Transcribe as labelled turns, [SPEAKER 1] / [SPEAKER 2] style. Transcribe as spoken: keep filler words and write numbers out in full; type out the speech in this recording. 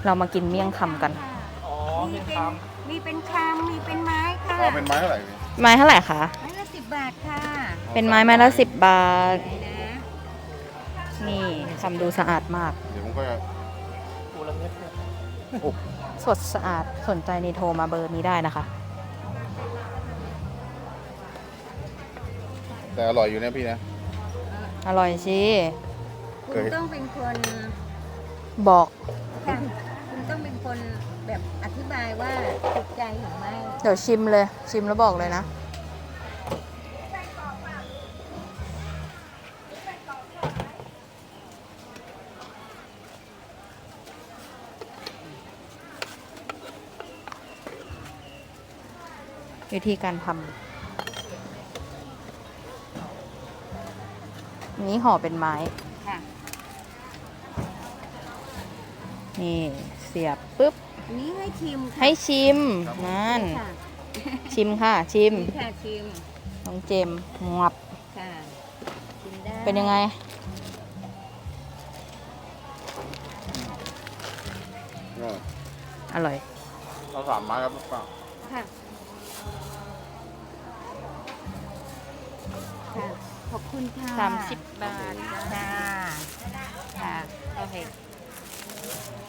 [SPEAKER 1] เรามากินเมี่ยงคำกัน
[SPEAKER 2] อ๋อ
[SPEAKER 3] มี
[SPEAKER 2] เป็น
[SPEAKER 3] เป็น
[SPEAKER 2] ค
[SPEAKER 3] มีเป็นชามมีเป็นไม้ค่ะ
[SPEAKER 4] อ๋อเป็นไม้เท่าไหร่พี่
[SPEAKER 1] ไม้เท่าไหร่คะ
[SPEAKER 3] ไม้ละสิบบาทค่ะ
[SPEAKER 1] เป็นไม้ไม้ละสิบบาท
[SPEAKER 3] ไหนนะ
[SPEAKER 1] นี่ทำดูสะอาดมาก
[SPEAKER 4] เดี๋ยวผมก็จะ
[SPEAKER 2] ำปูละเม็ดเนี่ย
[SPEAKER 4] โอ้
[SPEAKER 1] สดสะอาด สนใจนี่โทรมาเบอร์นี้ได้นะคะ
[SPEAKER 4] แต่อร่อยอยู่นะพี่นะ
[SPEAKER 1] อร่อยสิ
[SPEAKER 3] คุณต้องเป็นคน
[SPEAKER 1] บอก
[SPEAKER 3] ค่ะคุณต้องเป็นคนแบบอธิบายว่าถูกใจหรือไม่
[SPEAKER 1] เดี๋ยวชิมเลย ชิมแล้วบอกเลยนะ วิธีการทำอันนี้ห่อเป็นไม้
[SPEAKER 3] ค่ะ
[SPEAKER 1] นี่เสียบปุ๊บ
[SPEAKER 3] อันนี้ให้ชิมค่ะ
[SPEAKER 1] ให้ชิม นั่น
[SPEAKER 3] ค่ะ
[SPEAKER 1] ชิมค่ะ ชิม
[SPEAKER 3] นี่ค่ะชิม
[SPEAKER 1] น้องเจมส์งับ
[SPEAKER 3] ค่ะชิมได้
[SPEAKER 1] เป็นยังไง
[SPEAKER 4] ก็
[SPEAKER 1] อร่อย
[SPEAKER 4] เราสามไม้ครับป้า
[SPEAKER 3] ค่ะค่ะขอบคุณค่ะ
[SPEAKER 1] สามสิบบาท
[SPEAKER 3] จ้าค่ะ
[SPEAKER 1] โอเค